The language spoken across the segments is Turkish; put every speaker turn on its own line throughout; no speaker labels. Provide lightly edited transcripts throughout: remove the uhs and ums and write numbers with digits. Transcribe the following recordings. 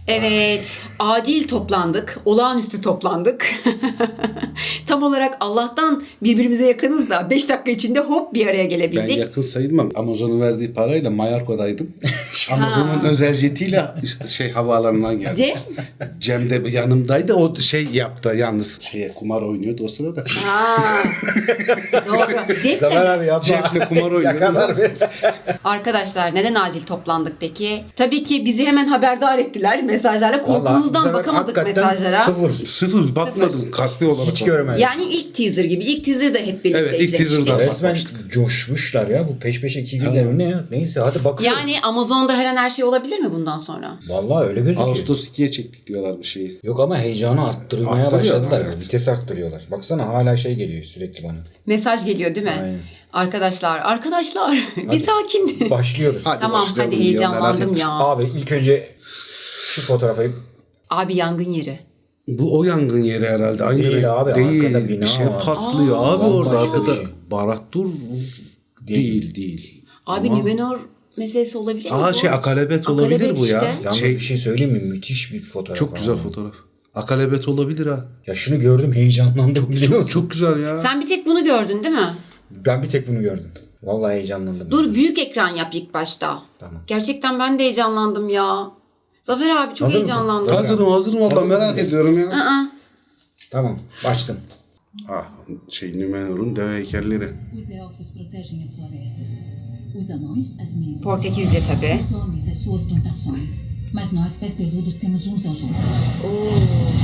Evet, acil toplandık, olağanüstü toplandık. Tam olarak Allah'tan birbirimize yakınız da 5 dakika içinde hop bir araya
Ben
gelebildik.
yakın sayılmam. Amazon'un verdiği parayla Mallorca'daydım. Amazon'un özel jetiyle işte havaalanından geldim.
Cem?
Cem de yanımdaydı. O yaptı yalnız. Kumar oynuyordu o sırada.
Aa, doğru. Cem
Zafer
de-
abi yapma.
Cem'le kumar
Yakalar
oynuyordu.
Arkadaşlar neden acil toplandık peki? Tabii ki bizi hemen haberdar ettiler mesajlarla. Korkumuzdan bakamadık mesajlara.
Sıfır bakmadım kasti olarak.
Hiç görmedim.
Yani ilk teaser gibi. İlk teaser da hep birlikte
Evet, ilk
izlemiştik.
teaser'da.
Resmen
Bakmıştık.
coşmuşlar ya. Bu peş peşe 2 günler mi ne ya? Neyse hadi bakıyoruz.
Yani Amazon'da her an her şey olabilir mi bundan sonra?
Vallahi öyle gözüküyor.
Ağustos 2'ye çektik diyorlar bir şeyi.
Yok ama heyecanı arttırmaya
Arttırıyorlar,
başladılar.
evet.
Vites arttırıyorlar. Baksana hala geliyor sürekli bana.
Mesaj geliyor değil mi?
Aynen.
Arkadaşlar bir sakin.
Başlıyoruz.
Hadi
Tamam
başlayalım
hadi
ya,
heyecanlandım
merak
ya.
Abi ilk önce şu fotoğrafı
Abi yangın yeri.
Bu o yangın yeri herhalde. Aynı
Değil
renk
abi,
değil.
arkada bina
Bir şey
var.
patlıyor abi
vallahi
orada
başka bir
arkada.
şey.
Barattur değil.
Abi
Ama-
Nümenor meselesi olabilir mi bu?
Akalebet olabilir
Akalebet
bu ya.
işte.
Yalnız bir şey söyleyeyim mi? Müthiş bir fotoğraf.
Çok güzel
abi.
fotoğraf. Akalebet olabilir ha.
Ya şunu gördüm heyecanlandım biliyor musun?
Çok güzel ya.
Sen bir tek bunu gördün değil mi?
Ben bir tek bunu gördüm. Vallahi heyecanlandım.
Dur büyük ekran yap ilk başta.
Tamam.
Gerçekten ben de heyecanlandım ya. Zafer abi çok
Hazır mısın?
heyecanlandım.
Hazırım valla
Hazır
merak
mısın?
ediyorum ya.
Aa,
Tamam başladım.
Nümenor'un deve heykelleri.
Os elfos protegem as florestas. Os anões, as minas.
Portekizce tabii.
Os homens, as suas plantações. Mas nós, pés peludos, temos uns aos outros.
Oo.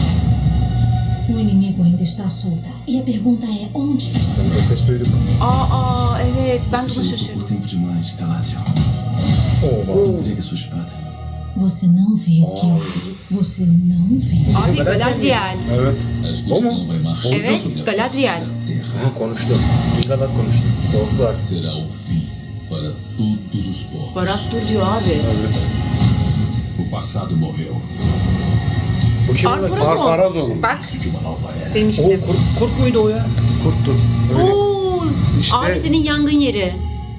O inimigo ainda está solta. E a pergunta é onde?
Sonunda ses duyduk.
Aa evet ben de ona şaşırdım.
Tempo demais, Galadriel.
Oo.
Entregue sua espada.
Você não viu o que eu vi. Você não viu.
Abi Galadriel.
Evet.
A escuridão
Como?
vai marchar
Evet
sobre a
Galadriel.
terra.
Aha konuştu. Gigalat konuştu. Korktular.
Será o fim para todos os povos.
Barat dur diyor abi.
O passado morreu.
Bu kim?
Arfarazon.
Farazon.
Bak
De uma nova era.
O
demiştim.
kurt muydu o ya?
Kurttur. Öyle.
Oo.
İşte-
Abi senin yangın yeri.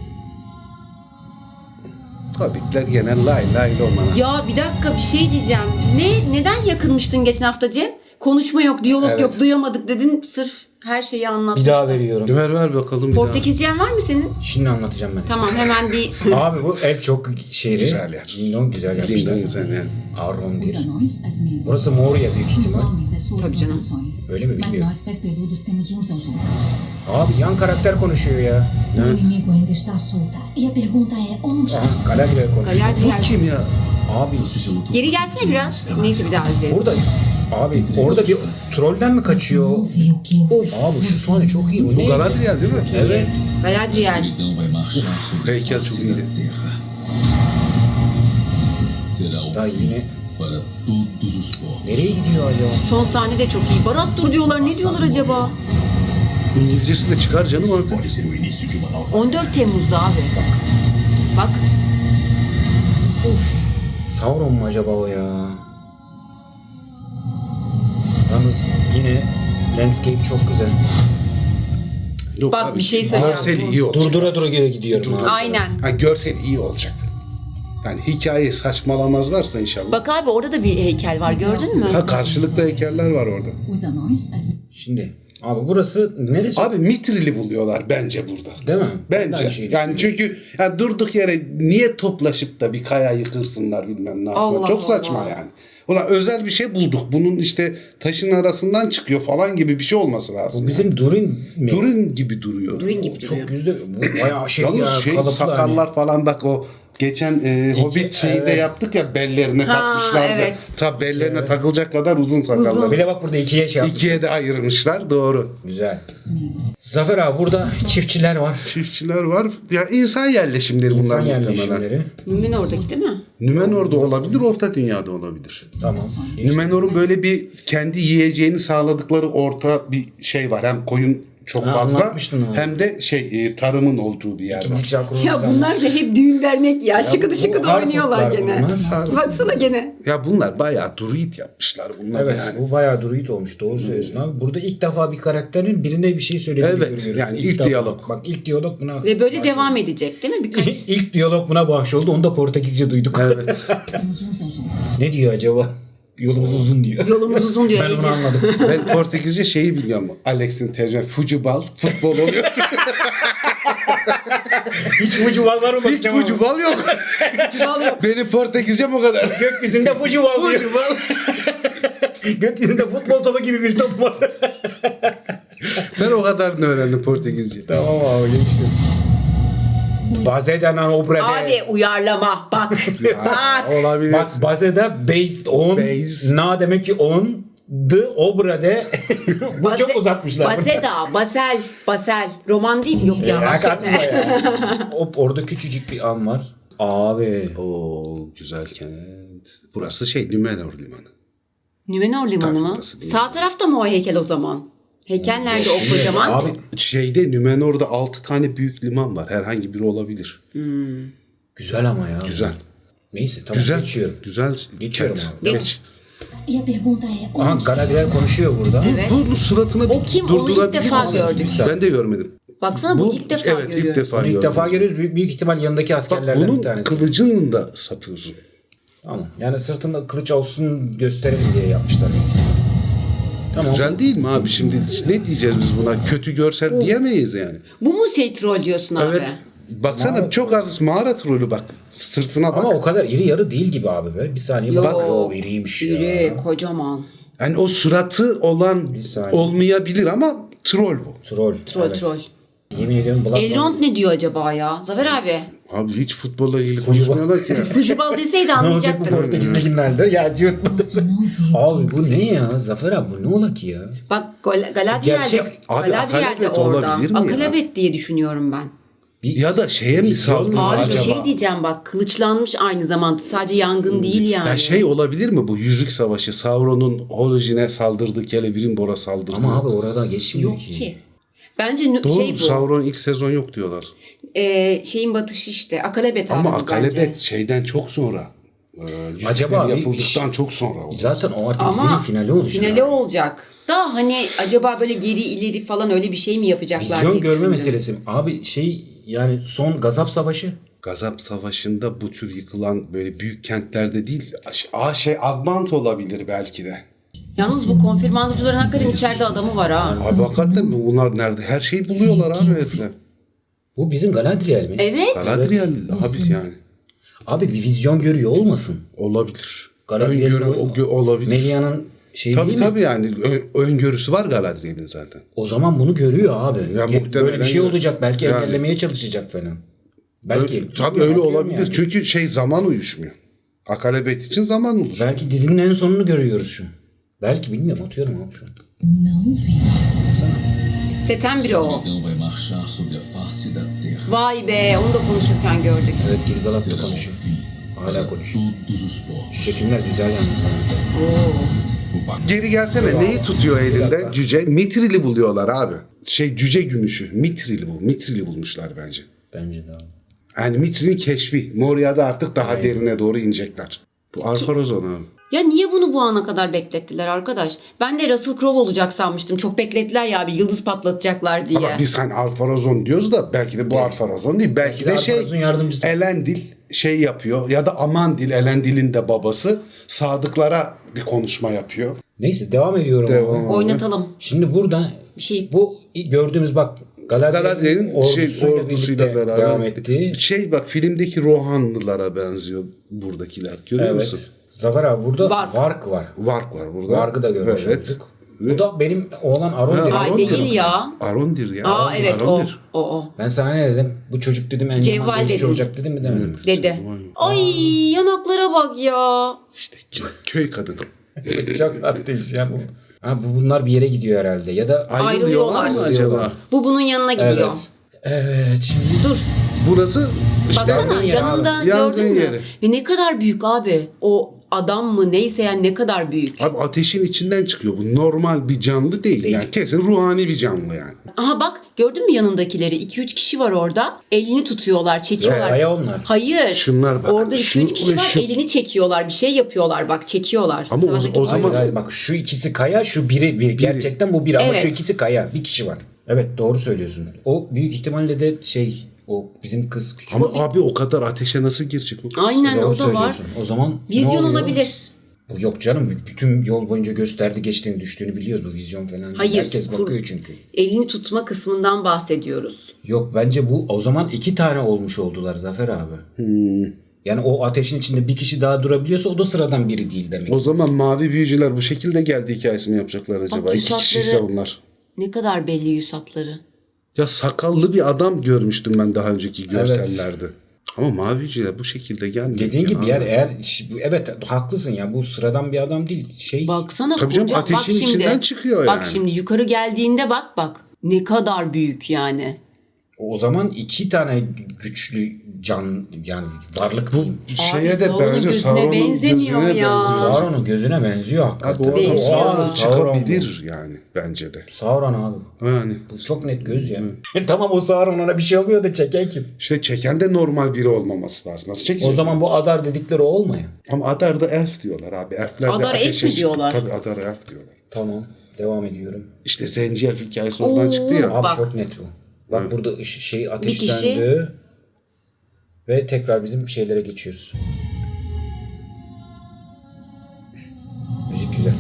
Hobbitler gene lay lomana.
Ya bir dakika bir şey diyeceğim. Neden yakınmıştın geçen hafta Cem? Konuşma yok, diyalog
Evet.
yok, duyamadık dedin. Sırf her şeyi anlattın.
Bir daha veriyorum.
Ver bakalım bir
Portekizcen var mı senin?
Şimdi anlatacağım ben.
Tamam hemen bir...
Abi bu ev çok şehri.
Güzel yer.
Lindon güzel
daha.
yapmışlar.
Güzel yani.
Os
Arrondir.
anões, as minas.
Burası Moria büyük
Os
ihtimal.
homens, as suas
Tabii canım.
plantações.
Öyle mi
Mas
bilmiyorum.
nós, pés peludos, temos uns aos outros.
Abi yan karakter konuşuyor ya.
O
Evet.
inimigo ainda está solta. E a pergunta é onde?
Aha Galadriel konuşuyor.
Galadriel.
Bu kim ya?
Abi
Você já lutou
Geri
com
gelsene
os
biraz.
Galadriel.
Neyse bir daha izleyelim.
burada abi orada bir trollden mi
Você
kaçıyor?
não viu o que eu vi.
Abi şu sahne çok iyi.
Bu Galadriel değil mi?
Evet.
A
Galadriel.
escuridão vai marchar sobre a
heykel
face
çok
da
iyiydi.
terra. Será o
Daha
fim
yine
para todos os povos.
nereye gidiyor acaba?
Son sahne de çok iyi. Barat dur diyorlar. Ne diyorlar acaba?
İngilizcesi de çıkar canım artık.
Pode ser o início de uma nova
14 Temmuz'da abi. Bak.
Sauron mu acaba o ya? Yalnız yine landscape çok güzel.
Yok
Bak, bir şey söyleyeceğim.
Görsel iyi olacak.
Durdura gidiyorum abi.
Aynen.
Ha, görsel iyi olacak. Yani hikayeyi saçmalamazlarsa inşallah.
Bak abi orada da bir heykel var gördün mü?
Ha, karşılıklı heykeller var orada.
Os anões, as
Şimdi abi burası neresi?
Abi Mitril'i buluyorlar bence burada.
Değil mi? Ben de aynı
Bence.
şeyi
Yani
düşünüyorum.
çünkü ya durduk yere niye toplaşıp da bir kaya yıkırsınlar bilmem ne yapsınlar.
Allah
Çok saçma
Allah.
yani. Ulan özel bir şey bulduk. Bunun işte taşın arasından çıkıyor falan gibi bir şey olması lazım.
Bu bizim Durin mi?
Durin gibi duruyor.
Durin gibi duruyor.
Çok güzel. Bu bayağı şey
Yalnız
ya. kalıplı
sakallar
hani.
falan bak o geçen Hobbit şeyinde
evet.
yaptık ya bellerine
Ha,
takmışlardı.
evet.
Ta bellerine takılacak kadar uzun sakallar.
Bir de bak burada ikiye şey yapmış.
İkiye de ayırmışlar doğru.
Güzel. Zafer abi burada çiftçiler var.
Çiftçiler var. Ya insan yerleşimleri bunlar
İnsan
muhtemelen.
yerleşimleri.
Mümin oradaki değil mi?
Nümenor'da olabilir, Orta Dünya'da olabilir.
Tamam.
Nümenor'un böyle bir kendi yiyeceğini sağladıkları orta bir şey var. Hem koyun çok
Ha,
fazla.
anlatmıştın abi.
Hem de tarımın olduğu bir yer var.
İkinci çakra.
Ya bunlar da hep düğün dernek ya. Şıkıdı
bu
şıkıdı
harf
oynuyorlar
oklar
gene.
bunlar.
Baksana gene.
Ya bunlar bayağı druid yapmışlar bunlar
Evet,
yani.
bu bayağı druid olmuş. Doğru söylüyorsun abi. Burada ilk defa bir karakterin birine bir şey söylediğini
Evet,
görüyoruz.
yani ilk
defa.
diyalog.
Bak ilk diyalog buna
Ve böyle
bahşoldu.
devam edecek değil mi? Birkaç.
İlk diyalog buna bahşoldu. Onu da Portekizce duyduk.
Evet.
Estamos uns aos outros.
Ne diyor acaba? Yolumuz uzun diyor.
Yolumuz uzun diyor
Ben onu
Ece.
anladım.
Ben Portekizce şeyi biliyorum. Alex'in tercüme futbol, futbol oluyor.
Hiç fucubal var mı?
Hiç
bakacağım ama.
futbol yok.
Vallahi yok.
Benim Portekizcem o kadar.
Gökyüzünde fucubal diyor.
Futbol.
Gökyüzünde futbol topu gibi bir top var.
Ben o kadarını öğrendim Portekizce.
Tamam abi geçtim. Bazeden obrede.
Abi uyarlama bak. Bak.
Olabilir.
Bak bazeda based on.
Based.
Na demek ki on. The obrede. Bu çok uzatmışlar.
Basel. Roman değil mi? Yok ya.
Ya
bak
kaçma
şimdi.
ya. Hop orada küçücük bir an var. Abi.
Oo güzel kent. Burası Nümenor Limanı.
Nümenor Limanı
Tabii,
mı?
burası değil.
Sağ tarafta mı o heykel o zaman? Heykel nerede o kocaman?
Abi
Nümenor'da 6 tane büyük liman var. Herhangi biri olabilir.
güzel ama ya.
Güzel.
Neyse tamam
Güzel.
geçiyorum.
Güzel.
Geçiyorum
kent.
abi.
Geç.
E a pergunta é:
Aha
onde?
Galadriel konuşuyor burada.
Evet.
Bu suratını
O kim? Onu ilk
durdurabilir
defa
misin?
gördük.
Ben de görmedim.
Baksana bu ilk defa
evet,
görüyoruz.
ilk defa
Bunu ilk
gördüm.
defa görüyoruz. Büyük ihtimal yanındaki
Bak
askerlerden
bunun
bir tanesi.
kılıcının da sapı uzun.
Tamam. Yani sırtında kılıç olsun gösterelim diye yapmışlar. Tamam.
Güzel değil mi abi? Şimdi ne diyeceğiz biz buna? Kötü görsel diyemeyiz yani.
Bu mu troll diyorsun abi?
Evet. Baksana çok az mağara trolü bak. Sırtına bak.
Ama o kadar iri yarı değil gibi abi be. Bir saniye
Yo,
bak. Yo iriymiş ya.
İri, kocaman.
Yani o suratı olan
Bir saniye.
olmayabilir ama troll bu.
Troll.
Troll
Evet.
troll.
Yemin ediyorum Bloodborne.
Elrond ne diyor acaba ya? Zafer abi.
Abi hiç futbolla ilgili konuşmuyorlar ki ya.
Kujubal deseydi
Ne olacak bu
anlayacaktık.
Portekiz'dekilerden? Ya cıvıtmadı.
Você não viu.
Abi bu ne ya? Zafer abi bu ne ola ki ya?
Bak Galadriel'de
Gerçek-
Abi,
Galadriel'de
Akalabet
orada.
olabilir mi ya?
Akalabet diye düşünüyorum ben.
Ya da şeye mi
Vizyon mu
saldırıyor
Abi bir
acaba?
şey diyeceğim bak. Kılıçlanmış aynı zamanda. Sadece yangın değil yani.
Ya şey olabilir mi bu Yüzük Savaşı? Sauron'un Holojin'e saldırdı, Celebrimbor'a saldırdı.
Ama abi orada geçmiyor
Yok ki. Bence
Doğru
şey bu.
Sauron ilk sezon yok diyorlar.
Şeyin batışı işte. Akalabet
Ama
abi
Akalebet
bence.
şeyden çok sonra.
Acaba bir-
yapıldıktan çok sonra oldu.
Zaten o artık dizinin
Ama
finali olacak.
finali olacak. Da hani acaba böyle geri ileri falan öyle bir şey mi yapacaklar
Vizyon
diye
görme
düşündüm.
meselesi. Abi yani son Gazap Savaşı.
Gazap Savaşı'nda bu tür yıkılan böyle büyük kentlerde değil, Admant olabilir belki de.
Yalnız bu konfirmandıcıların hakikaten içeride adamı var ha.
Abi hakikaten mi? Bunlar nerede? Her şeyi buluyorlar abi herifler.
Bu bizim Galadriel mi?
Evet.
Galadriel abi yani.
Abi bir vizyon görüyor olmasın.
Olabilir.
Galadriel'in
Öngörü olabilir.
Melia'nın şeyi
Tabii
değil mi?
tabii yani öngörüsü var Galadriel'in zaten.
O zaman bunu görüyor abi.
Ya
Böyle
muhtemelen
bir şey olacak. Belki
yani.
engellemeye çalışacak falan. Belki.
Tabii öyle
Bakıyorum
olabilir.
yani.
Çünkü zaman uyuşmuyor. Akalebet için zaman olur.
Belki dizinin en sonunu görüyoruz şu. Belki bilmiyorum atıyorum abi şu an.
Não viu.
Baksana.
Seten biri o.
Dragão vai marchar sobre a face da terra.
Vay be onu da konuşurken gördük.
Evet Gilgalad da
Será o
konuşuyor.
fim
Hala
para
konuşuyor.
todos os povos.
Şu çekimler güzel yalnız.
Oo.
O pacto
Geri gelsene. Neyi tutuyor elinde? Cüce. Mitril'i buluyorlar abi. Cüce gümüşü. Mitril'i bulmuşlar bence.
Bence de abi.
Yani Mitril'in keşfi. Moria'da artık daha derine doğru inecekler. Bu Alfarazon abi.
Ya niye bunu bu ana kadar beklettiler arkadaş? Ben de Russell Crowe olacak sanmıştım. Çok beklettiler ya bir yıldız patlatacaklar diye.
Ama biz hani Alfarazon diyoruz da belki de bu Alfarazon değil. Belki de
Alfarazon yardımcısı.
Elendil yapıyor ya da Amandil, Elendil'in de babası Sadıklara bir konuşma yapıyor.
Neyse devam ediyorum.
Devam.
abi.
Oynatalım.
Şimdi burada
Bir şey
bu gördüğümüz bak
Galadriel'in ordusuyla
birlikte
beraber
devam etti.
Bak filmdeki Rohanlılara benziyor buradakiler. Görüyor
Evet.
musun?
Zafer abi burada
Varg.
Varg var.
Vark var burada.
Varg'ı da görmüş
Evet.
olduk. Bu da benim oğlan Arondir.
Ha,
Ay
Arondir.
değil ya.
Arondir ya.
Aa evet
Arondir.
o.
Ben sana ne dedim? Bu çocuk dedim en
Cevval
yaman dövüşçü
dedim.
olacak dedim mi demedim.
Dedi. Ay yanaklara bak ya.
İşte köy kadını.
Çok tatlıymış ya bu. Ha bunlar bir yere gidiyor herhalde ya da
Ayrılıyorlar.
mı acaba?
Bu bunun yanına gidiyor.
Evet şimdi
Dur.
Burası işte
Baksana
Yangın yeri
yanında
abi. Yangın
gördün mü?
yeri.
Ve ne kadar büyük abi. O adam mı neyse yani ne kadar büyük.
Abi ateşin içinden çıkıyor. Bu normal bir canlı değil. Yani kesin ruhani bir canlı yani.
Aha bak gördün mü yanındakileri? 2-3 kişi var orada. Elini tutuyorlar, çekiyorlar.
Kaya onlar.
Hayır.
Şunlar bak,
Orada 2-3
şu
kişi
ve
var.
şu.
Elini çekiyorlar. Bir şey yapıyorlar bak. Çekiyorlar.
Ama o
Sağdaki-
zaman-
Hayır, bak şu ikisi kaya, şu biri gerçekten bu biri ama
Evet.
şu ikisi kaya. Bir kişi var. Evet doğru söylüyorsun. O büyük ihtimalle de o bizim kız küçük.
Ama abi o kadar ateşe nasıl girecek o kız?
Aynen
Doğru
o da var.
söylüyorsun. O zaman ne
Vizyon
oluyor?
olabilir.
Bu yok canım. Bütün yol boyunca gösterdi, geçtiğini, düştüğünü biliyoruz. Bu vizyon falan değil.
Hayır,
Herkes bakıyor çünkü.
Elini tutma kısmından bahsediyoruz.
Yok bence bu o zaman 2 tane olmuş oldular Zafer abi. Yani o ateşin içinde bir kişi daha durabiliyorsa o da sıradan biri değil demek.
O zaman mavi büyücüler bu şekilde geldi hikayesi mi yapacaklar acaba?
Bak,
2 kişiyse
yüzatları-
bunlar.
Ne kadar belli yüz hatları.
Ya sakallı bir adam görmüştüm ben daha önceki görsellerde. Ama mavi büyücüler bu şekilde gelmiyor.
Dediğin
ki
gibi
abi.
yani evet haklısın ya bu sıradan bir adam değil.
Baksana
Tabii canım,
koca.
ateşin
Bak şimdi.
içinden çıkıyor
Bak
yani.
şimdi yukarı geldiğinde bak. Ne kadar büyük yani.
O zaman 2 tane güçlü can yani varlık bu.
Şeye de
Sauron'un
benziyor.
gözüne
Sauron'un
benzemiyor
gözüne
ya.
benziyor.
Sauron'un gözüne benziyor
Abi
hakikaten.
o adam
Benziyor.
o adam
Sauron
çıkabilir yani bence de.
Sauron abi.
Yani
Bu çok net göz ya. Tamam o Sauron ona bir şey olmuyor da çeken kim?
işte çeken de normal biri olmaması lazım. Nasıl çekecek?
O zaman bu Adar dedikleri o olmuyor.
Ama Adar'da elf diyorlar abi. Elfler de
Adar elf
ateşe
mi diyorlar?
Tabii Adar elf diyorlar.
Tamam devam ediyorum.
İşte Zenci elf hikayesi oradan
Oo.
çıktı ya.
Abi
Bak.
çok net bu. Bak burada ateş
kişi-
söndü. Ve tekrar bizim şeylere geçiyoruz. Müzik güzel.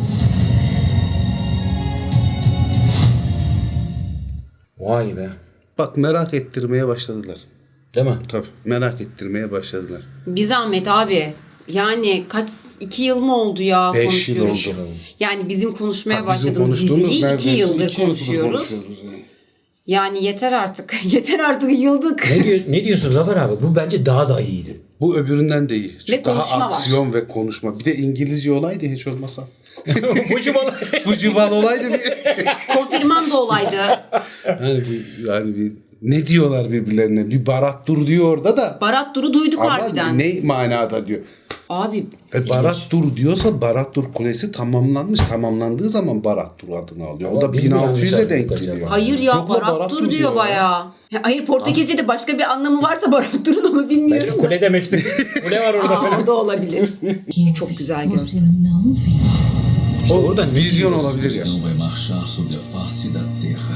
Vay be.
Bak merak ettirmeye başladılar.
Değil mi?
Tabii merak ettirmeye başladılar.
Bir zahmet abi. Yani 2 yıl mı oldu ya
5 yıl
konuşuyoruz.
oldu.
Yani bizim konuşmaya
Ha, bizim
başladığımız
konuştuğumuz
diziyi 2
neredeyse
yıldır
2 yıldır
konuşuyoruz.
yani.
Yani yeter artık. Yeter artık yıldık.
Ne diyorsun Zafer abi? Bu bence daha da iyiydi.
Bu öbüründen de iyi. Çünkü daha
konuşma var.
aksiyon ve konuşma. Bir de İngilizce olaydı hiç olmasa.
Fujiwara.
Fujiwara olaydı bir.
Konfirman da olaydı.
Yani bir ne diyorlar birbirlerine? Bir Barat dur diyor orada da.
Barat Dur'u duyduk
Ama
harbiden.
ne manada diyor.
Abi
Barat Dur diyorsa Barat Dur Kulesi tamamlanmış. Tamamlandığı zaman Barat Dur adını alıyor. O
Ama
da
biz mi yanlış
1600'e denk
anladık acaba?
geliyor.
hayır ya
Yok la,
Barat Dur diyor
ya.
bayağı. Hayır Portekizce'de başka bir anlamı varsa Barat Dur'un onu
Belki
bilmiyorum da.
kule demekti. Kule var orada
Aa,
falan.
o da olabilir.
Eu
Çok
vi.
güzel
Você
görsel.
não viu.
İşte
O
oradan
vizyon olabilir ya.
Não vai marchar sobre a face da terra.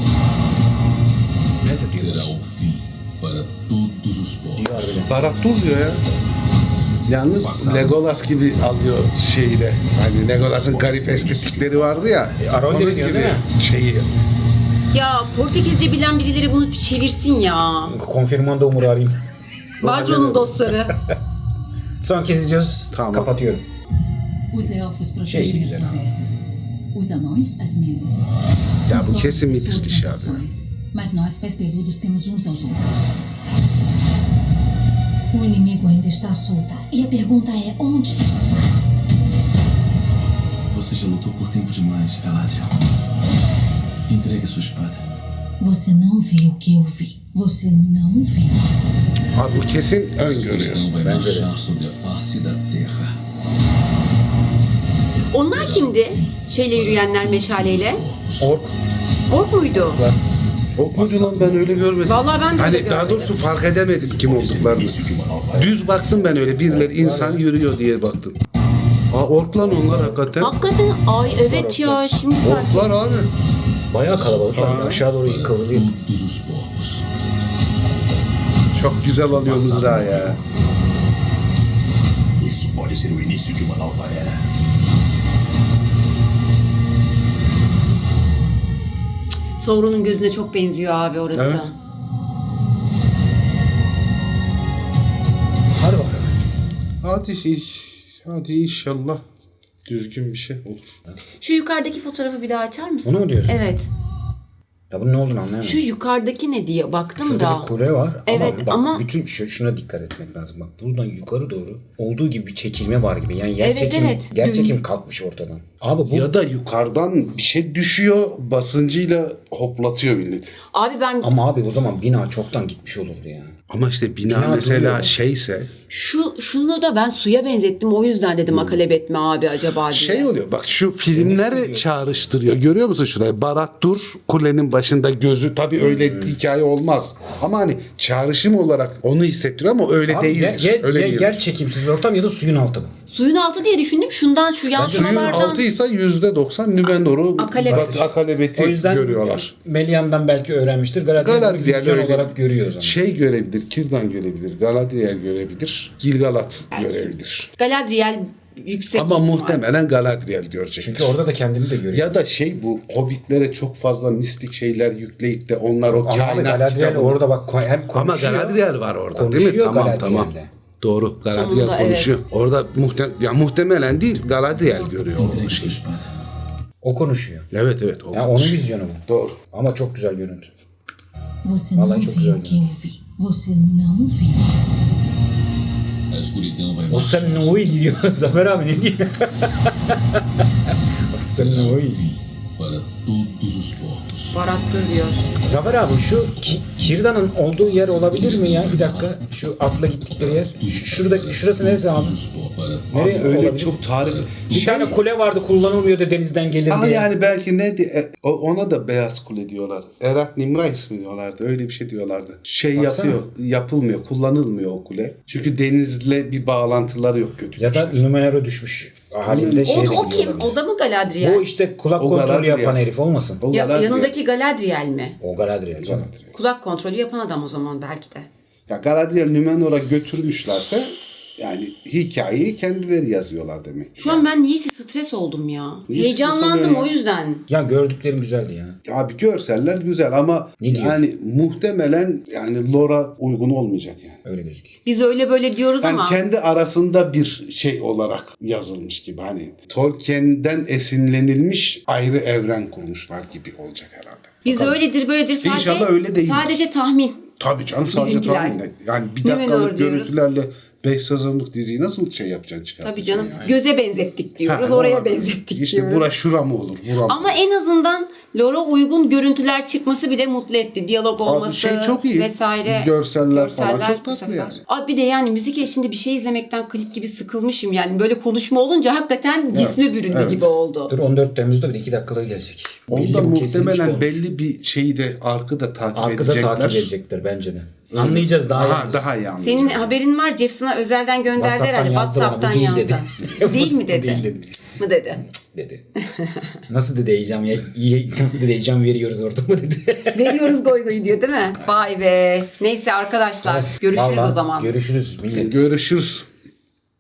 Ne de diyor?
Será o fim para todos os povos.
Diyor harbiden.
Barat Dur diyor ya. Yalnız Legolas gibi alıyor şeyi de. Hani Legolas'ın garip estetikleri vardı ya.
Arondir
onun
diyor,
gibi
değil mi?
şeyi.
Ya Portekizce bilen birileri bunu çevirsin ya.
Konfirmanda Umur'u arayayım.
Badro'nun dostları.
Son kez izliyoruz.
Tamam.
Kapatıyorum.
Os elfos
Şey
protegem as
güzel abi.
florestas. Os anões, as minas.
Ya bu
Os
kesin
orcos, suas
mitik iş abi.
plantações. Mas nós, pés peludos, temos uns aos outros.
O inimigo ainda está à solta. E a pergunta é onde?
Você já lutou por tempo demais, Galadriel. Entregue sua espada.
Você não viu o que eu vi. Você não viu.
Abi bu kesin öngörüyor.
Então vai
Bence de.
marchar sobre a face da terra.
Onlar kimdi? Şeyle yürüyenler meşaleyle.
Ork.
Ork muydu?
Ok muydu lan ben öyle görmedim.
Vallahi ben de öyle
Hani daha
görmedim.
doğrusu fark edemedim kim olduklarını. Düz baktım ben öyle birileri insan yürüyor diye baktım. Aa ork lan onlar hakikaten.
Hakikaten ay evet ya şimdi fark ettim.
Orklar abi.
Bayağı kalabalıklar. Aşağı doğru kıvrılıyor.
Todos os povos.
Çok güzel alıyor mızrağı ya.
Isso pode ser o início de uma nova era.
Sauron'un gözüne çok benziyor abi orası.
Evet.
Hadi bakalım.
Hadi inşallah düzgün bir şey olur.
Şu yukarıdaki fotoğrafı bir daha açar mısın?
Bunu mu diyorsun?
Evet.
Ya bunun ne olduğunu anlayamadım.
Şu yukarıdaki ne diye baktım
Şurada
da.
bir kule var.
Evet,
bak,
ama-
bütün şuna dikkat etmek lazım. Bak buradan yukarı doğru olduğu gibi bir çekilme var gibi. Yani yer
Evet,
çekimi,
evet.
yer çekim kalkmış ortadan. Abi bu
Ya da yukarıdan bir şey düşüyor, basıncıyla hoplatıyor milleti.
Abi ben
ama abi o zaman bina çoktan gitmiş olurdu ya.
Ama işte bina
Bina
mesela
duruyor.
şeyse
şunu da ben suya benzettim. O yüzden dedim akalep etme abi acaba diye.
şey oluyor. Bak şu filmleri çağrıştırıyor. Görüyor musun şurayı? Barat Dur kulenin başında gözü. Tabii öyle hikaye olmaz. Ama hani çağrışım olarak onu hissettiriyor ama öyle
Abi
değildir. Öyle değildir.
yer çekimsiz ortam ya da suyun altı bu.
Suyun altı diye düşündüm. Şundan şu
Suyun
yansımalardan.
altıysa %90 Nümenor'u
Akalebet.
akalebeti
O yüzden
görüyorlar.
Melian'dan belki öğrenmiştir. Galadriel
Galadriel
vizyon
öyle
olarak görüyor o zaman.
şey görebilir, Kirdan görebilir, Galadriel görebilir, Gilgalad görebilir.
Galadriel yüksek
Ama
ihtimal.
muhtemelen Galadriel görecek.
Çünkü orada da kendini de görüyor.
ya da şey bu Hobbitlere çok fazla mistik şeyler yükleyip de onlar o
Ama abi
kainat
Galadriel
kitabını-
orada bak hem
Ama
konuşuyor.
Galadriel var orada değil mi?
Konuşuyor
Tamam
Galadriel'le.
tamam. Doğru. Galadriel
Sonunda,
konuşuyor. Orada muhtemelen değil Galadriel görüyor o
Entregue sua
şeyi.
espada.
O konuşuyor.
Evet evet. O
Yani onun
konuşuyor.
vizyonu bu.
Doğru.
Ama çok güzel görüntü.
Você
Vallahi
não
çok
viu
güzel
o que eu vi. Você não viu.
A escuridão vai
O sen ne oy gidiyor? Zafer abi ne diyor? O sen ne oy?
para todos os povos.
Barattır diyor.
Zafer abi şu Kirda'nın olduğu yer olabilir mi ya? Bir dakika. Şu atla gittikleri yer. Şurası neresi abi?
Todos os povos para
Nereye
Abi öyle
olabilir?
çok tarif.
Bir tane kule vardı kullanılmıyordu denizden gelir
Aa,
diye.
yani belki ne ona da Beyaz Kule diyorlar. Erat Nimrais mi diyorlardı? Öyle bir şey diyorlardı. Şey
Baksana.
yapılmıyor, kullanılmıyor o kule. Çünkü denizle bir bağlantıları yok kötü.
Ya da Numenor'a düşmüş halinde şeye de
O kim?
gidiyor
O
olabilir.
da mı Galadriel?
Bu işte kulak
O
kontrolü
Galadriel.
yapan herif olmasın?
O
Ya,
Galadriel.
yanındaki Galadriel mi?
O Galadriel canım.
Kulak kontrolü yapan adam o zaman belki de.
Ya Galadriel Numenor'a götürmüşlerse yani hikayeyi kendileri yazıyorlar demek.
Şu an ben niyeyse stres oldum ya.
Niye
Heyecanlandım
stres
o
oluyor
yüzden.
Ya gördüklerim güzeldi ya.
Abi görseller güzel ama
Ne diyor?
yani muhtemelen yani Lora uygun olmayacak yani.
Öyle gözüküyor.
Biz öyle böyle diyoruz
Yani
ama
kendi arasında bir şey olarak yazılmış gibi hani Tolkien'den esinlenilmiş ayrı evren kurmuşlar gibi olacak herhalde.
biz öyledir böyledir sadece
İnşallah öyle değildir.
sadece tahmin.
Tabii canım sadece
Bizimkiler.
tahmin et. Yani bir
Numenor
dakikalık
diyoruz.
görüntülerle 5 sezonluk diziyi nasıl şey yapacaksın çıkartacaksın?
Tabii canım.
yani?
Göze benzettik diyoruz.
Ha,
Oraya
olabilir.
benzettik
İşte
diyoruz.
bura şura mı olur? Bura mı?
Ama en azından Lore'a uygun görüntüler çıkması bile mutlu etti. Diyalog olması
şey çok iyi.
vesaire.
Görseller falan çok
bu
tatlı
sefer.
yani.
Abi bir de yani müzik eşliğinde bir şey izlemekten klip gibi sıkılmışım. Yani böyle konuşma olunca hakikaten cisme büründü
evet.
gibi oldu.
Dur 14 Temmuz'da bir de 2 dakikalığı gelecek.
Onda
bu kesin
muhtemelen
olmuş.
belli bir şeyi de arkada takip
Arkada
edecekler.
takip edecekler bence de. Anlayacağız daha iyi.
Aha, daha iyi anlayacağız.
Senin haberin var, Jeff sana özelden gönderdi
WhatsApp'tan
herhalde.
yazdı bana, bu
WhatsApp'tan
değil
yazdı.
dedi.
Değil mi dedi?
Değil dedi.
Mı dedi?
Dedi. Nasıl dedi heyecan ya? Nasıl dedi heyecan veriyoruz orada mı dedi.
Veriyoruz goy goy diyor değil mi? Vay be. Neyse arkadaşlar görüşürüz
Vallahi
o zaman.
Görüşürüz millet.
Görüşürüz.